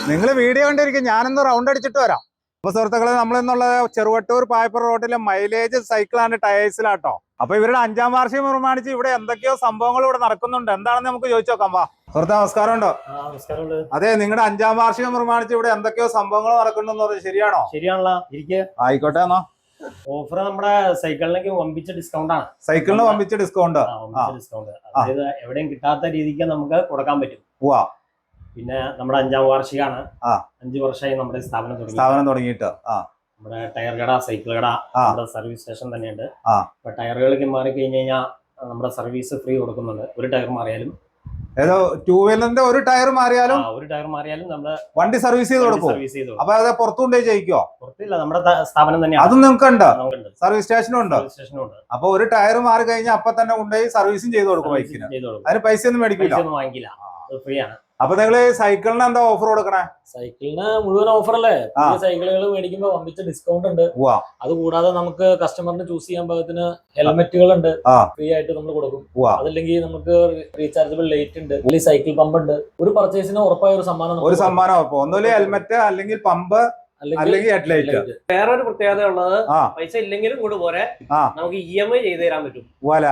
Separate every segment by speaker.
Speaker 1: നിങ്ങൾ വീഡിയോ കണ്ടിരിക്കും, ഞാനൊന്ന് റൗണ്ട് അടിച്ചിട്ട് വരാം. അപ്പൊ സുഹൃത്തുക്കളെ, നമ്മളിന്നുള്ള ചെറുവട്ടൂർ പായപ്പുറ റോഡിലെ മൈലേജ് സൈക്കിൾ ആൻഡ് ടയേഴ്സിലാട്ടോ. അപ്പൊ ഇവരുടെ 5ാം വാർഷികം പ്രമാണിച്ച് ഇവിടെ എന്തൊക്കെയോ സംഭവങ്ങൾ ഇവിടെ നടക്കുന്നുണ്ട്. എന്താണെന്ന് നമുക്ക് ചോദിച്ചു നോക്കാം. വാ സുഹൃത്തെ, നമസ്കാരം ഉണ്ടോ? അതെ, നിങ്ങളുടെ 5ാം വാർഷികം പ്രമാണിച്ച് ഇവിടെ എന്തൊക്കെയോ സംഭവങ്ങൾ നടക്കുന്നുണ്ടെന്ന് പറഞ്ഞു, ശരിയാണോ?
Speaker 2: ശരിയാണല്ലോ,
Speaker 1: ആയിക്കോട്ടെ. എന്നാ
Speaker 2: ഓഫർ നമ്മുടെ സൈക്കിളിലേക്ക് വമ്പിച്ച ഡിസ്കൗണ്ട് ആണ്.
Speaker 1: സൈക്കിളിന് വമ്പിച്ച ഡിസ്കൗണ്ട്,
Speaker 2: അതായത് എവിടെയും കിട്ടാത്ത രീതിക്ക് നമുക്ക് കൊടുക്കാൻ പറ്റും. പിന്നെ നമ്മുടെ 5ാം വാർഷികമാണ്. 5 വർഷമായി നമ്മുടെ സ്ഥാപനം
Speaker 1: തുടങ്ങിയിട്ട്.
Speaker 2: നമ്മുടെ ടയർ കട, സൈക്കിൾ കട, നമ്മുടെ സർവീസ് സ്റ്റേഷൻ തന്നെയുണ്ട്. ഇപ്പൊ ടയറുകളിലേക്ക് മാറി കഴിഞ്ഞ് കഴിഞ്ഞാൽ നമ്മുടെ സർവീസ് ഫ്രീ കൊടുക്കുന്നുണ്ട്. ഒരു ടയർ മാറിയാലും,
Speaker 1: ഏതോ 2 വീലറിന്റെ ഒരു ടയർ മാറിയാലും
Speaker 2: നമ്മുടെ
Speaker 1: വണ്ടി സർവീസ് ചെയ്ത് കൊടുക്കും. അപ്പൊ അത് പുറത്തുകൊണ്ടേ ചെയ്യിക്കോ?
Speaker 2: പുറത്തില്ല, നമ്മുടെ സ്ഥാപനം തന്നെയാണ്.
Speaker 1: അതും നിങ്ങൾക്കുണ്ട്, സർവീസ് സ്റ്റേഷനും ഉണ്ട്. അപ്പൊ ഒരു ടയർ മാറി കഴിഞ്ഞാൽ അപ്പൊ തന്നെ കൊണ്ടുപോയി സർവീസും ചെയ്ത് കൊടുക്കും ബൈക്കിന്. അതിന് പൈസ ഒന്നും മേടിക്കില്ല,
Speaker 2: വാങ്ങിക്കില്ല, ഫ്രീ ആണ്.
Speaker 1: അപ്പൊ നിങ്ങള് സൈക്കിളിന് എന്താ ഓഫർ കൊടുക്കണേ?
Speaker 3: സൈക്കിളിന് മുഴുവൻ ഓഫർ അല്ലേ? പുതിയ സൈക്കിളുകൾ മേടിക്കുമ്പോ വമ്പിച്ച ഡിസ്കൗണ്ട് ഉണ്ട്. അതുകൂടാതെ നമുക്ക് കസ്റ്റമറിന് ചൂസ് ചെയ്യാൻ പാകത്തിന് ഹെൽമെറ്റുകൾ ഉണ്ട്, ഫ്രീ ആയിട്ട് നമ്മൾ കൊടുക്കും. അതല്ലെങ്കിൽ നമുക്ക് റീചാർജബിൾ ലൈറ്റ് ഉണ്ട്, അല്ലെങ്കിൽ സൈക്കിൾ പമ്പ് ഉണ്ട്. ഒരു പർച്ചേസിന് ഉറപ്പായ ഒരു സമ്മാനം.
Speaker 1: ഒന്നുമില്ല ഹെൽമെറ്റ്, അല്ലെങ്കിൽ പമ്പ്, അല്ലെങ്കിൽ ഹെഡ്ലൈറ്റ്.
Speaker 3: വേറൊരു പ്രത്യേകത ഉള്ളത്, പൈസ ഇല്ലെങ്കിലും കൂടെ പോരെ നമുക്ക് EMI ചെയ്ത് തരാൻ പറ്റും.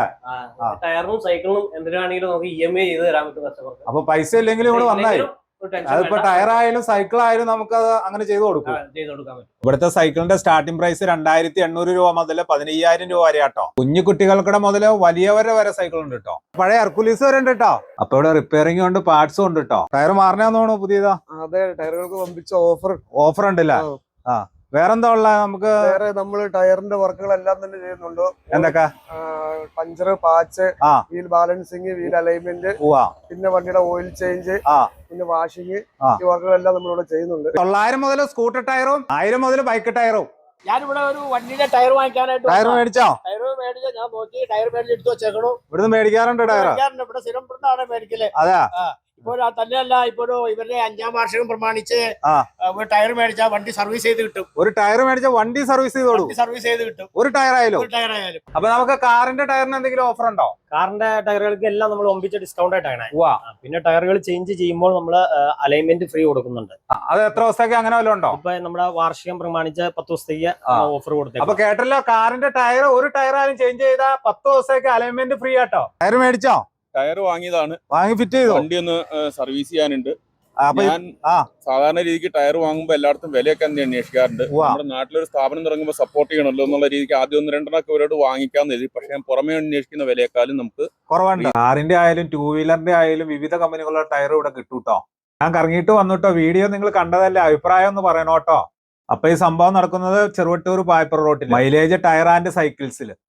Speaker 3: ടയറിനും സൈക്കിളിനും എന്തിനാണെങ്കിലും നമുക്ക് EMI ചെയ്ത് തരാൻ പറ്റും കസ്റ്റമർക്ക്.
Speaker 1: അപ്പൊ പൈസ ഇല്ലെങ്കിലും ഇവിടെ വന്നായി, അതിപ്പോ ടയർ ആയാലും സൈക്കിൾ ആയാലും നമുക്ക് അത് അങ്ങനെ ചെയ്ത് കൊടുക്കാം. ഇവിടുത്തെ സൈക്കിളിന്റെ സ്റ്റാർട്ടിംഗ് പ്രൈസ് 2800 രൂപ മുതൽ 15000 രൂപ വരെ ആട്ടോ. കുഞ്ഞു കുട്ടികൾക്കിടെ മുതൽ വലിയവരെ വരെ സൈക്കിൾ ഉണ്ട് കേട്ടോ. പഴയ ഹെർക്കുലീസ് വരെ ഉണ്ട് കേട്ടോ. അപ്പൊ ഇവിടെ റിപ്പയറിംഗ് ഉണ്ട്, പാർട്സും ഉണ്ട് കേട്ടോ. ടയർ മാറണമെന്ന് തോന്നുന്നു പുതിയതാ.
Speaker 4: അതെ, ടയറുകൾക്ക് വമ്പിച്ച ഓഫർ
Speaker 1: ഉണ്ടല്ലേ? വേറെന്താ ഉള്ള? നമുക്ക്
Speaker 4: നമ്മള് ടയറിന്റെ വർക്കുകളെല്ലാം തന്നെ ചെയ്യുന്നുണ്ട്.
Speaker 1: എന്തൊക്കെ?
Speaker 4: Puncture, patch, wheel balancing, wheel alignment, പിന്നെ വണ്ടിയുടെ ഓയിൽ ചേഞ്ച്, പിന്നെ വാഷിംഗ്, ഈ വർക്കുകളെല്ലാം നമ്മളിവിടെ ചെയ്യുന്നുണ്ട്.
Speaker 1: 900 മുതൽ സ്കൂട്ടർ ടയറും 1000 മുതൽ ബൈക്ക് ടയറും.
Speaker 3: ഞാനിവിടെ ഒരു വണ്ടിയുടെ ടയർ വാങ്ങിക്കാനായിട്ട്.
Speaker 1: ടയർ മേടിച്ചോ?
Speaker 3: ടയർ മേടിച്ചോ? ഞാൻ നോക്കി ടയർ മേടിച്ചെടുത്ത് വെച്ചേക്കണു.
Speaker 1: ഇവിടുന്ന് മേടിക്കാറുണ്ട് ടയർ?
Speaker 3: ഇവിടെ സ്ഥിരം മേടിക്കല്.
Speaker 1: അതെ.
Speaker 3: ഇപ്പൊ തന്നെയല്ല, ഇപ്പൊ ഇവരുടെ 5ാം വാർഷികം പ്രമാണിച്ച് ഒരു ടയർ മേടിച്ചാൽ വണ്ടി സർവീസ് ചെയ്ത് കിട്ടും.
Speaker 1: ഒരു ടയർ മേടിച്ചാൽ വണ്ടി സർവീസ് ചെയ്ത് കിട്ടും. ഒരു ടയർ ആയാലും. അപ്പൊ നമുക്ക് കാറിന്റെ ടയറിന് എന്തെങ്കിലും ഓഫർ ഉണ്ടോ?
Speaker 2: കാറിന്റെ ടയറുകൾക്ക് എല്ലാം നമ്മൾ ഒമ്പിച്ച ഡിസ്കൗണ്ട് ആയിട്ടാണ്. പിന്നെ ടയറുകൾ ചേഞ്ച് ചെയ്യുമ്പോൾ നമ്മൾ അലൈൻമെന്റ് ഫ്രീ കൊടുക്കുന്നുണ്ട്.
Speaker 1: അത് എത്ര ദിവസത്തേക്ക് അങ്ങനെ വല്ലതും ഉണ്ടോ?
Speaker 2: ഇപ്പൊ നമ്മുടെ വാർഷികം പ്രമാണിച്ച് 10 ദിവസത്തേക്ക് ഓഫർ കൊടുത്തു.
Speaker 1: അപ്പൊ കേട്ടല്ലോ, കാറിന്റെ ടയർ ഒരു ടയർ ആയാലും ചേഞ്ച് ചെയ്താൽ 10 ദിവസത്തേക്ക് അലൈൻമെന്റ് ഫ്രീ ആട്ടോ. ടയർ മേടിച്ചോ?
Speaker 5: ടയർ വാങ്ങിയതാണ്,
Speaker 1: വാങ്ങി ഫിറ്റ് ചെയ്തു.
Speaker 5: വണ്ടി ഒന്ന് സർവീസ് ചെയ്യാനുണ്ട്. ഞാൻ സാധാരണ രീതിക്ക് ടയർ വാങ്ങുമ്പോൾ എല്ലായിടത്തും വിലയൊക്കെ അന്വേഷിക്കാറുണ്ട്. നമ്മുടെ നാട്ടിലൊരു സ്ഥാപനം തുടങ്ങുമ്പോൾ സപ്പോർട്ട് ചെയ്യണമല്ലോ എന്നുള്ള രീതിക്ക് ആദ്യം 1-2 ഇവരോട് വാങ്ങിക്കാന്ന് കരുതി. പക്ഷെ ഞാൻ പുറമേ അന്വേഷിക്കുന്ന വിലയെക്കാളും നമുക്ക്
Speaker 1: കുറവുണ്ട്. കാറിന്റെ ആയാലും 2 വീലറിന്റെ ആയാലും വിവിധ കമ്പനികളുടെ ടയർ ഇവിടെ കിട്ടൂട്ടോ. ഞാൻ കറങ്ങിയിട്ട് വന്നിട്ടോ. വീഡിയോ നിങ്ങൾ കണ്ടതല്ലേ, അഭിപ്രായം ഒന്ന് പറയണോട്ടോ. അപ്പൊ ഈ സംഭവം നടക്കുന്നത് ചെറുവട്ടൂർ പായപ്പുറ റോട്ടിൽ മൈലേജ് ടയർ ആൻഡ് സൈക്കിൾസിൽ.